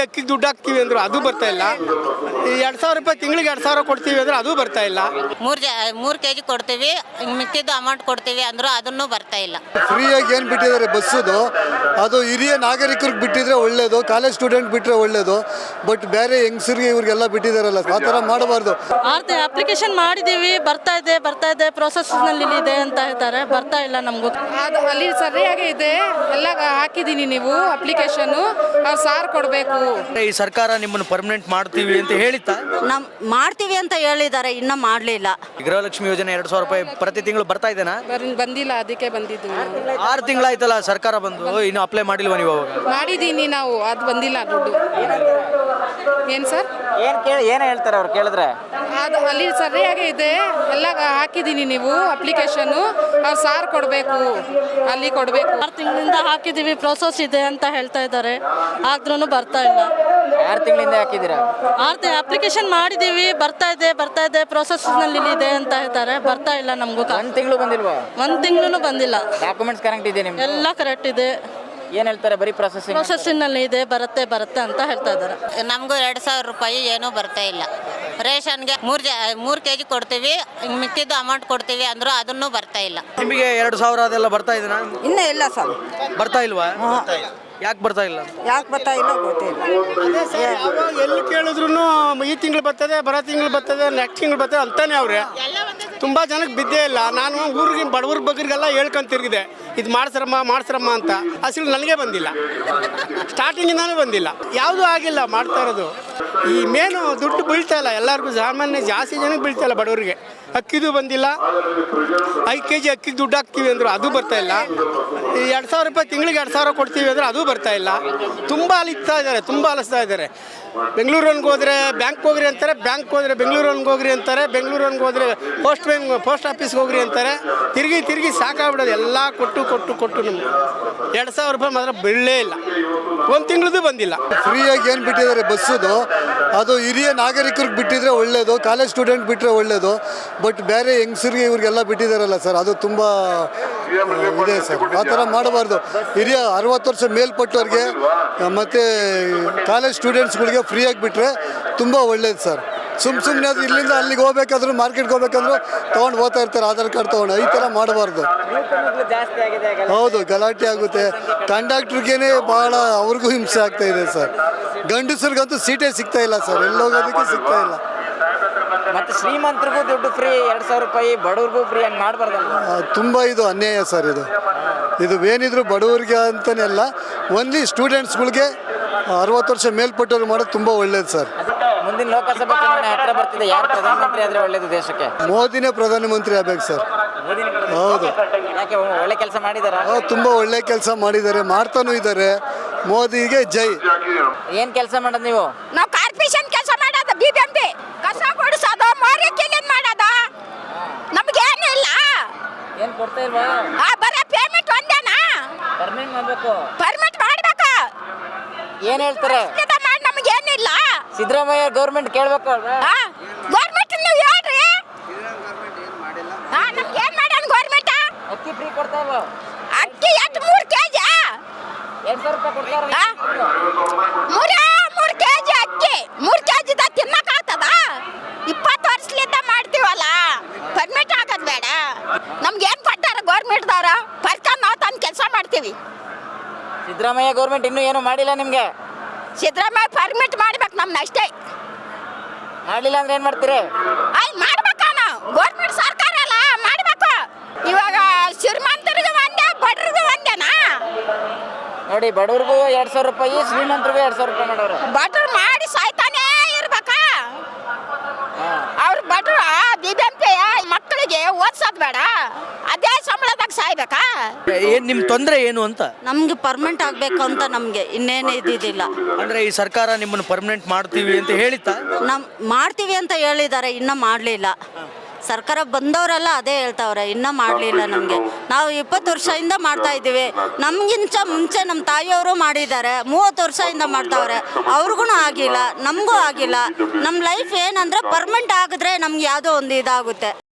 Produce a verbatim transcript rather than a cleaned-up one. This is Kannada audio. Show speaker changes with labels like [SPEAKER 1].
[SPEAKER 1] ಅಕ್ಕಿಗೆ ದುಡ್ಡು ಹಾಕ್ತೀವಿ ಅಂದರು ಅದು ಬರ್ತಾ ಇಲ್ಲ. ಎರಡು ಸಾವಿರ ರೂಪಾಯಿ ತಿಂಗಳಿಗೆ ಎರಡು ಸಾವಿರ ಕೊಡ್ತೀವಿ ಅಂದ್ರೆ ಅದು ಬರ್ತಾ ಇಲ್ಲ.
[SPEAKER 2] ಮೂರು ಜ ಮೂರು ಕೆ ಜಿ ಕೊಡ್ತೀವಿ, ಮಿಕ್ಕಿದ್ದು ಅಮೌಂಟ್ ಕೊಡ್ತೀವಿ ಅಂದರೂ ಅದನ್ನು ಬರ್ತಾ ಇಲ್ಲ.
[SPEAKER 3] ಫ್ರೀಯಾಗಿ ಏನು ಬಿಟ್ಟಿದ್ದಾರೆ ಬಸ್ಸುದು, ಅದು ಹಿರಿಯ ನಾಗರಿಕರಿಗೆ ಬಿಟ್ಟಿದ್ರೆ ಒಳ್ಳೇದು, ಕಾಲೇಜ್ ಸ್ಟೂಡೆಂಟ್ ಬಿಟ್ಟರೆ ಒಳ್ಳೇದು. ಬಟ್ ಬೇರೆ ಹೆಂಗಸರಿಗೆ ಇವ್ರಿಗೆಲ್ಲ ಬಿಟ್ಟಿದ್ದಾರಲ್ಲ, ಆ ಥರ ಮಾಡಬಾರ್ದು.
[SPEAKER 4] ಆರ್ತಿ ಅಪ್ಲಿಕೇಶನ್ ಮಾಡಿದ್ದೀವಿ, ಬರ್ತಾ ಇದೆ ಬರ್ತಾ ಇದೆ ಪ್ರೊಸೆಸ್ನಲ್ಲಿ ಇದೆ ಅಂತ ಹೇಳ್ತಾರೆ, ಬರ್ತಾ ಇಲ್ಲ ನಮಗೂ.
[SPEAKER 5] ಅದು ಅಲ್ಲಿ ಸರಿಯಾಗಿ ಇದೆ, ಎಲ್ಲ ಹಾಕಿದ್ದೀನಿ ನೀವು ಅಪ್ಲಿಕೇಶನ್ನು, ಅವ್ರು ಸಾರ್ ಕೊಡಬೇಕು.
[SPEAKER 6] ಈ ಸರ್ಕಾರ ನಿಮ್ಮನ್ನು ಪರ್ಮನೆಂಟ್ ಮಾಡ್ತೀವಿ ಅಂತ ಹೇಳಿತ್ತಾ?
[SPEAKER 7] ನಮ್ ಮಾಡ್ತೀವಿ ಅಂತ ಹೇಳಿದ್ದಾರೆ, ಇನ್ನ ಮಾಡಲಿಲ್ಲ.
[SPEAKER 6] ಗೃಹಲಕ್ಷ್ಮಿ ಯೋಜನೆ ಎರಡು ಸಾವಿರ ರೂಪಾಯಿ ಪ್ರತಿ ತಿಂಗಳು ಬರ್ತಾ ಇದೆನಾ?
[SPEAKER 5] ಬಂದಿಲ್ಲ, ಅದಕ್ಕೆ ಬಂದಿದ್ದು.
[SPEAKER 6] ಆರು ತಿಂಗಳಾಯ್ತಲ್ಲ ಸರ್ಕಾರ ಬಂದು, ಇನ್ನು ಅಪ್ಲೈ ಮಾಡಿಲ್ವಾ ನೀವು?
[SPEAKER 5] ಮಾಡಿದ್ದೀನಿ ನಾವು, ಅದು ಬಂದಿಲ್ಲ ದುಡ್ಡು. ಏನು ಸರ್?
[SPEAKER 8] ಏನು ಕೇಳಿ ಏನು ಹೇಳ್ತಾರೆ ಅವ್ರು ಕೇಳಿದ್ರೆ?
[SPEAKER 5] ಅದು ಅಲ್ಲಿ ಸರಿಯಾಗಿ ಇದೆ, ಎಲ್ಲ ಹಾಕಿದ್ದೀನಿ ನೀವು ಅಪ್ಲಿಕೇಶನ್ನು, ಅವ್ರು ಸಾರ್ ಕೊಡಬೇಕು, ಅಲ್ಲಿ ಕೊಡಬೇಕು.
[SPEAKER 4] ಆರು ತಿಂಗಳಿಂದ ಹಾಕಿದ್ದೀವಿ, ಪ್ರೊಸೆಸ್ ಇದೆ ಅಂತ ಹೇಳ್ತಾ ಇದ್ದಾರೆ, ಆದ್ರೂ ಬರ್ತಾ ಇಲ್ಲ.
[SPEAKER 8] ಆರು ತಿಂಗಳಿಂದ ಹಾಕಿದ್ದೀರಾ?
[SPEAKER 4] ಆರ್ತಿ ಅಪ್ಲಿಕೇಶನ್ ಮಾಡಿದ್ದೀವಿ, ಬರ್ತಾ ಇದೆ ಬರ್ತಾ ಇದೆ ಪ್ರೊಸೆಸ್ನಲ್ಲಿ ಇದೆ ಅಂತ ಹೇಳ್ತಾರೆ, ಬರ್ತಾ ಇಲ್ಲ ನಮಗೂ.
[SPEAKER 8] ಒಂದು ತಿಂಗಳು ಬಂದಿಲ್ವಾ?
[SPEAKER 4] ಒಂದು ತಿಂಗಳು ಬಂದಿಲ್ಲ.
[SPEAKER 8] ಡಾಕ್ಯುಮೆಂಟ್ಸ್ ಕರೆಕ್ಟ್ ಇದೆ ನಿಮ್ಗೆ?
[SPEAKER 4] ಎಲ್ಲ ಕರೆಕ್ಟ್ ಇದೆ.
[SPEAKER 8] ಏನು ಹೇಳ್ತಾರೆ? ಬರೀ ಪ್ರೊಸೆಸಿಂಗ್
[SPEAKER 4] ಪ್ರೊಸೆಸ್ಸಿನಲ್ಲಿ ಇದೆ, ಬರುತ್ತೆ ಬರುತ್ತೆ ಅಂತ ಹೇಳ್ತಾ ಇದ್ದಾರೆ.
[SPEAKER 2] ನಮಗೂ ಎರಡು ಸಾವಿರ ರೂಪಾಯಿ ಏನೂ ಬರ್ತಾ ಇಲ್ಲ. ರೇಷನ್ಗೆ ಮೂರು ಜ ಮೂರು ಕೆ ಜಿ ಕೊಡ್ತೀವಿ, ಮಿಕ್ಕಿದ್ದು ಅಮೌಂಟ್ ಕೊಡ್ತೀವಿ ಅಂದರೂ ಅದನ್ನು ಬರ್ತಾ ಇಲ್ಲ.
[SPEAKER 6] ನಿಮಗೆ ಎರಡು ಸಾವಿರ ಅದೆಲ್ಲ ಬರ್ತಾ ಇದೆನಾ?
[SPEAKER 7] ಇನ್ನೂ ಇಲ್ಲ ಸರ್.
[SPEAKER 6] ಬರ್ತಾ ಇಲ್ವಾ? ಯಾಕೆ ಬರ್ತಾ ಇಲ್ಲ?
[SPEAKER 7] ಯಾಕೆ ಬರ್ತಾ ಇಲ್ಲ ಗೊತ್ತಿಲ್ಲ.
[SPEAKER 1] ಎಲ್ಲಿ ಕೇಳಿದ್ರು ಈ ತಿಂಗಳು ಬರ್ತದೆ, ಬರೋ ತಿಂಗಳು ಬರ್ತದೆ, ನೆಕ್ಸ್ಟ್ ತಿಂಗಳು ಬರ್ತದೆ ಅಂತಾನೆ ಅವ್ರೆ. ತುಂಬ ಜನಕ್ಕೆ ಬಿದ್ದೇ ಇಲ್ಲ. ನಾನು ಊರಿಗೆ ಬಡವ್ರ ಬಗ್ಗರಿಗೆಲ್ಲ ಹೇಳ್ಕೊಂತ ತಿರುಗಿದೆ, ಇದು ಮಾಡ್ಸ್ರಮ್ಮ ಮಾಡ್ಸ್ರಮ್ಮ ಅಂತ. ಅಸಲು ನನಗೆ ಬಂದಿಲ್ಲ, ಸ್ಟಾರ್ಟಿಂಗಿಂದಾನೂ ಬಂದಿಲ್ಲ, ಯಾವುದೂ ಆಗಿಲ್ಲ. ಮಾಡ್ತಾ ಇರೋದು ಈ ಮೇನು ದುಡ್ಡು ಬೀಳ್ತಾ ಇಲ್ಲ ಎಲ್ಲರಿಗೂ, ಸಾಮಾನ್ಯ ಜಾಸ್ತಿ ಜನಕ್ಕೆ ಬೀಳ್ತಾ ಇಲ್ಲ. ಬಡವರಿಗೆ ಅಕ್ಕಿದು ಬಂದಿಲ್ಲ, ಐದು ಕೆ ಜಿ ಅಕ್ಕಿಗೆ ದುಡ್ಡು ಹಾಕ್ತೀವಿ ಅಂದರು ಅದು ಬರ್ತಾ ಇಲ್ಲ. ಎರಡು ಸಾವಿರ ರೂಪಾಯಿ ತಿಂಗಳಿಗೆ ಎರಡು ಸಾವಿರ ಕೊಡ್ತೀವಿ ಅಂದರೆ ಅದು ಬರ್ತಾ ಇಲ್ಲ. ತುಂಬ ಅಲಿಸ್ತಾ ಇದ್ದಾರೆ, ತುಂಬ ಅಲಿಸ್ತಾ ಇದ್ದಾರೆ. ಬೆಂಗಳೂರನ್ಗೆ ಹೋದರೆ ಬ್ಯಾಂಕ್ ಹೋಗ್ರಿ ಅಂತಾರೆ, ಬ್ಯಾಂಕ್ ಹೋದರೆ ಬೆಂಗಳೂರನ್ಗೆ ಹೋಗ್ರಿ ಅಂತಾರೆ, ಬೆಂಗಳೂರನ್ಗೆ ಹೋದರೆ ಪೋಸ್ಟ್ ಬ್ಯಾಂಕ್ ಪೋಸ್ಟ್ ಆಫೀಸ್ಗೆ ಹೋಗ್ರಿ ಅಂತಾರೆ. ತಿರುಗಿ ತಿರುಗಿ ಸಾಕಾಗ್ಬಿಡೋದು, ಎಲ್ಲ ಕೊಟ್ಟು ಕೊಟ್ಟು ಕೊಟ್ಟು ನಮ್ಗೆ ಎರಡು ಸಾವಿರ ರೂಪಾಯಿ ಮಾತ್ರ ಬೀಳಲೇ ಇಲ್ಲ. ಒಂದು ತಿಂಗಳದ್ದು ಬಂದಿಲ್ಲ.
[SPEAKER 3] ಫ್ರೀಯಾಗಿ ಏನು ಬಿಟ್ಟಿದ್ದಾರೆ ಬಸ್ಸುದು, ಅದು ಹಿರಿಯ ನಾಗರಿಕರಿಗೆ ಬಿಟ್ಟಿದ್ರೆ ಒಳ್ಳೇದು, ಕಾಲೇಜ್ ಸ್ಟೂಡೆಂಟ್ ಬಿಟ್ಟರೆ ಒಳ್ಳೇದು. ಬಟ್ ಬೇರೆ ಹೆಂಗಸರಿಗೆ ಇವ್ರಿಗೆಲ್ಲ ಬಿಟ್ಟಿದ್ದಾರಲ್ಲ ಸರ್, ಅದು ತುಂಬ ಇದೆ ಸರ್. ಆ ಥರ ಮಾಡಬಾರ್ದು. ಹಿರಿಯ ಅರವತ್ತು ವರ್ಷ ಮೇಲ್ಪಟ್ಟವ್ರಿಗೆ ಮತ್ತು ಕಾಲೇಜ್ ಸ್ಟೂಡೆಂಟ್ಸ್ಗಳಿಗೆ ಫ್ರೀಯಾಗಿ ಬಿಟ್ಟರೆ ತುಂಬ ಒಳ್ಳೇದು ಸರ್. ಸುಮ್ಮ ಸುಮ್ಮನೆ ಅದು ಇಲ್ಲಿಂದ ಅಲ್ಲಿಗೆ ಹೋಗ್ಬೇಕಾದ್ರೂ, ಮಾರ್ಕೆಟ್ಗೆ ಹೋಗ್ಬೇಕಂದ್ರೂ ತೊಗೊಂಡು ಹೋಗ್ತಾ ಇರ್ತಾರೆ ಆಧಾರ್ ಕಾರ್ಡ್ ತೊಗೊಂಡು. ಈ ಥರ ಮಾಡಬಾರ್ದು. ಹೌದು, ಗಲಾಟೆ ಆಗುತ್ತೆ. ಕಂಡಕ್ಟ್ರಿಗೇನೆ ಭಾಳ ಅವ್ರಿಗೂ ಹಿಂಸೆ ಆಗ್ತಾ ಇದೆ ಸರ್. ಗಂಡಸರಿಗಂತೂ ಸೀಟೇ ಸಿಗ್ತಾ ಇಲ್ಲ ಸರ್, ಎಲ್ಲೋಗೋದಕ್ಕೂ ಸಿಗ್ತಾ ಇಲ್ಲ.
[SPEAKER 8] ಮತ್ತೆ ಶ್ರೀಮಂತರಿಗೂ ದುಡ್ಡು ಫ್ರೀ, ಎರಡು ಸಾವಿರ ರೂಪಾಯಿ ಬಡವ್ರಿಗೂ ಫ್ರೀ, ಹಂಗೆ ಮಾಡಬಾರ್ದಲ್ಲ?
[SPEAKER 3] ತುಂಬ ಇದು ಅನ್ಯಾಯ ಸರ್. ಇದು ಇದು ಏನಿದ್ರು ಬಡವರಿಗೆ ಅಂತಲೇ ಅಲ್ಲ, ಓನ್ಲಿ ಸ್ಟೂಡೆಂಟ್ಸ್ಗಳಿಗೆ ಅರವತ್ತು ವರ್ಷ ಮೇಲ್ಪಟ್ಟವ್ರು ಮಾಡೋದು ತುಂಬ ಒಳ್ಳೇದು ಸರ್.
[SPEAKER 8] ಮುಂದಿನ ಲೋಕಸಭಾ ಚುನಾವಣೆ ಹತ್ರ ಬರ್ತಿದೆ, ಯಾರು ಪ್ರಧಾನಮಂತ್ರಿ ಆದರೆ ಒಳ್ಳೇದು ದೇಶಕ್ಕೆ?
[SPEAKER 3] ಮೋದಿನೇ ಪ್ರಧಾನಮಂತ್ರಿ ಆಗ್ಬೇಕು ಸರ್. ಹೌದು.
[SPEAKER 8] ಯಾಕೆ ಒಳ್ಳೆ ಕೆಲಸ ಮಾಡಿದಾರ?
[SPEAKER 3] ತುಂಬ ಒಳ್ಳೆ ಕೆಲಸ ಮಾಡಿದ್ದಾರೆ, ಮಾಡ್ತಾನೂ ಇದ್ದಾರೆ. ಮೋದಿಗೆ ಜೈ.
[SPEAKER 8] ಏನು ಕೆಲಸ ಮಾಡೋದು ನೀವು?
[SPEAKER 7] ನಾವು ಕಾರ್ಪೊರೇಷನ್ ಕೆಲಸ ಮಾಡೋದು, ಬಿ ಬಿ ಎಂ ಪಿ ಕಸ ಕೊಡಿಸೋದು, ಮಾರಿ ಕ್ಲೀನ್ ಮಾಡೋದು. ನಮ್ಗೇನು ಇಲ್ಲ.
[SPEAKER 8] ಏನು ಕೊಡ್ತಾ ಇಲ್ವಾ?
[SPEAKER 7] ಬರೀ ಪೇಮೆಂಟ್ ಒಂದೇನಾ?
[SPEAKER 8] ಪರ್ಮನೆಂಟ್ ಮಾಡಬೇಕು.
[SPEAKER 7] ಪರ್ಮಿಟ್ ಮಾಡ್ಬೇಕು.
[SPEAKER 8] ಏನು ಹೇಳ್ತಾರೆ?
[SPEAKER 7] ಮಾಡಿ ನಮಗೇನಿಲ್ಲ.
[SPEAKER 8] ಸಿದ್ದರಾಮಯ್ಯ ಗೌರ್ಮೆಂಟ್ ಕೇಳಬೇಕು ಅಲ್ವಾ?
[SPEAKER 7] ಗೌರ್ಮೆಂಟ್ ನೀವು ಹೇಳ್ರಿ. ಹಾಂ, ನಮ್ಗೆ ಏನು ಮಾಡೋಣ ಗೌರ್ಮೆಂಟ್?
[SPEAKER 8] ಅಕ್ಕಿ ಫ್ರೀ ಕೊಡ್ತಾ ಇಲ್ವಾ?
[SPEAKER 7] ಅಕ್ಕಿ ಎಷ್ಟು ಮೂರು ಕೆ ಜಿ
[SPEAKER 8] ಎರಡು ಸಾವಿರ ರೂಪಾಯಿ ಕೊಡ್ತಾರೆ.
[SPEAKER 7] ಮೂರೇ ಮೂರು ಕೆ ಜಿ ಅಕ್ಕಿ, ಮೂರು ಕೆ ಜಿದ ತಿನ್ನಕ್ಕಾಗ್ತದ? ಇಪ್ಪತ್ತು ವರ್ಷಲಿಂದ ಮಾಡ್ತೀವಲ್ಲ, ಪರ್ಮಿಟ್ ಆಗೋದು ಬೇಡ. ನಮ್ಗೆ ಏನು ಕೊಟ್ಟಾರ ಗೌರ್ಮೆಂಟ್ದವ್ರ? ಪರ್ಕೊಂಡು ನಾವು ತಂದು ಕೆಲಸ ಮಾಡ್ತೀವಿ.
[SPEAKER 8] ಸಿದ್ದರಾಮಯ್ಯ ಗೌರ್ಮೆಂಟ್ ಇನ್ನೂ ಏನು ಮಾಡಿಲ್ಲ ನಿಮಗೆ?
[SPEAKER 7] ಸಿದ್ದರಾಮಯ್ಯ ಪರ್ಮಿಟ್ ಮಾಡ್ಬೇಕು ನಮ್ನ ಅಷ್ಟೇ.
[SPEAKER 8] ಮಾಡಲಿಲ್ಲ ಅಂದ್ರೆ ಏನು ಮಾಡ್ತೀರಿ?
[SPEAKER 7] ಅಲ್ಲಿ ಮಾಡ್ಬೇಕ, ನಾವು ಗೌರ್ಮೆಂಟ್ ಸರ್ಕಾರ ಅಲ್ಲ, ಮಾಡ್ಬೇಕು. ಇವಾಗ ಶ್ರೀಮಂತರಿಗೂ ಒಂದೇ, ಬಡರಿಗೂ ಒಂದೇನಾ?
[SPEAKER 8] ನೋಡಿ, ಬಡವ್ರಿಗೂ ಎರಡು ಸಾವಿರ ರೂಪಾಯಿ, ಶ್ರೀಮಂತರಿಗೂ ಎರಡು ಸಾವಿರ ರೂಪಾಯಿ ಮಾಡೋರು.
[SPEAKER 7] ಬಡವ್ರು ಮಾಡಿ ಸಾಯ್ತಾನೇ ಇರ್ಬೇಕಾ? ಅವ್ರು ಬಡವ್ರು ಬಿ ಬಿ ಎಂ ಪಿ ಮಕ್ಕಳಿಗೆ ಓದ್ಸೋದು ಬೇಡ, ಅದೇ ಸಂಬಳದಾಗ ಸಾಯ್ಬೇಕಾ?
[SPEAKER 6] ಏನು ನಿಮ್ಮ ತೊಂದರೆ ಏನು ಅಂತ?
[SPEAKER 7] ನಮ್ಗೆ ಪರ್ಮನೆಂಟ್ ಆಗಬೇಕು ಅಂತ ನಮಗೆ ಇನ್ನೇನು ಇದ್ದಿದ್ದಿಲ್ಲ.
[SPEAKER 6] ಅಂದರೆ ಈ ಸರ್ಕಾರ ನಿಮ್ಮನ್ನು ಪರ್ಮನೆಂಟ್ ಮಾಡ್ತೀವಿ ಅಂತ ಹೇಳಿತ್ತಾ?
[SPEAKER 7] ನಮ್ ಮಾಡ್ತೀವಿ ಅಂತ ಹೇಳಿದ್ದಾರೆ, ಇನ್ನೂ ಮಾಡಲಿಲ್ಲ. ಸರ್ಕಾರ ಬಂದವರೆಲ್ಲ ಅದೇ ಹೇಳ್ತಾವ್ರೆ, ಇನ್ನೂ ಮಾಡಲಿಲ್ಲ. ನಮಗೆ ನಾವು ಇಪ್ಪತ್ತು ವರ್ಷದಿಂದ ಮಾಡ್ತಾ ಇದ್ದೀವಿ. ನಮಗಿಂತ ಮುಂಚೆ ನಮ್ಮ ತಾಯಿಯವರು ಮಾಡಿದ್ದಾರೆ, ಮೂವತ್ತು ವರ್ಷದಿಂದ ಮಾಡ್ತಾವ್ರೆ, ಅವ್ರಿಗೂ ಆಗಿಲ್ಲ, ನಮಗೂ ಆಗಿಲ್ಲ. ನಮ್ಮ ಲೈಫ್ ಏನಂದರೆ ಪರ್ಮನೆಂಟ್ ಆಗಿದ್ರೆ ನಮ್ಗೆ ಯಾವುದೋ ಒಂದು ಇದಾಗುತ್ತೆ.